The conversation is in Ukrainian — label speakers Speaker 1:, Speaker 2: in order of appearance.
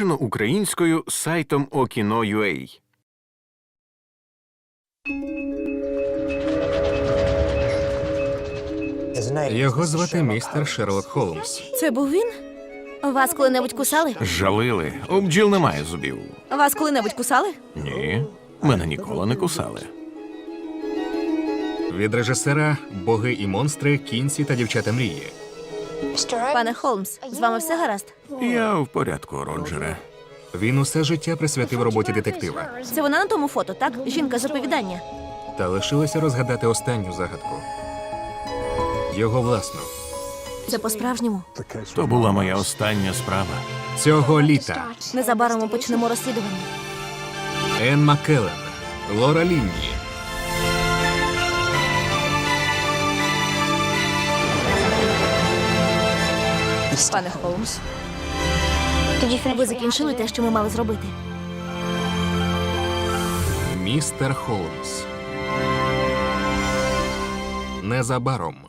Speaker 1: перекладено українською сайтом Okino.ua.
Speaker 2: Його звати містер Шерлок Холмс.
Speaker 3: Це був він? Вас коли-небудь кусали?
Speaker 1: Жалили. У бджіл немає зубів.
Speaker 3: Вас коли-небудь кусали?
Speaker 1: Ні, мене ніколи не кусали.
Speaker 2: Від режисера «Боги і монстри, кінці та дівчата мрії».
Speaker 3: Пане Холмс, з вами все гаразд?
Speaker 1: Я в порядку, Роджере.
Speaker 2: Він усе життя присвятив роботі детектива.
Speaker 3: Це вона на тому фото, так? Жінка з оповідання.
Speaker 2: Та лишилося розгадати останню загадку. Його власну.
Speaker 3: Це по-справжньому.
Speaker 1: То була моя остання справа.
Speaker 2: Цього літа.
Speaker 3: Незабаром ми почнемо розслідування.
Speaker 2: Енн Маккеллен, Лора Лінні.
Speaker 3: Пане Холмс, ви закінчили те, що ми мали зробити.
Speaker 2: Містер Холмс. Незабаром.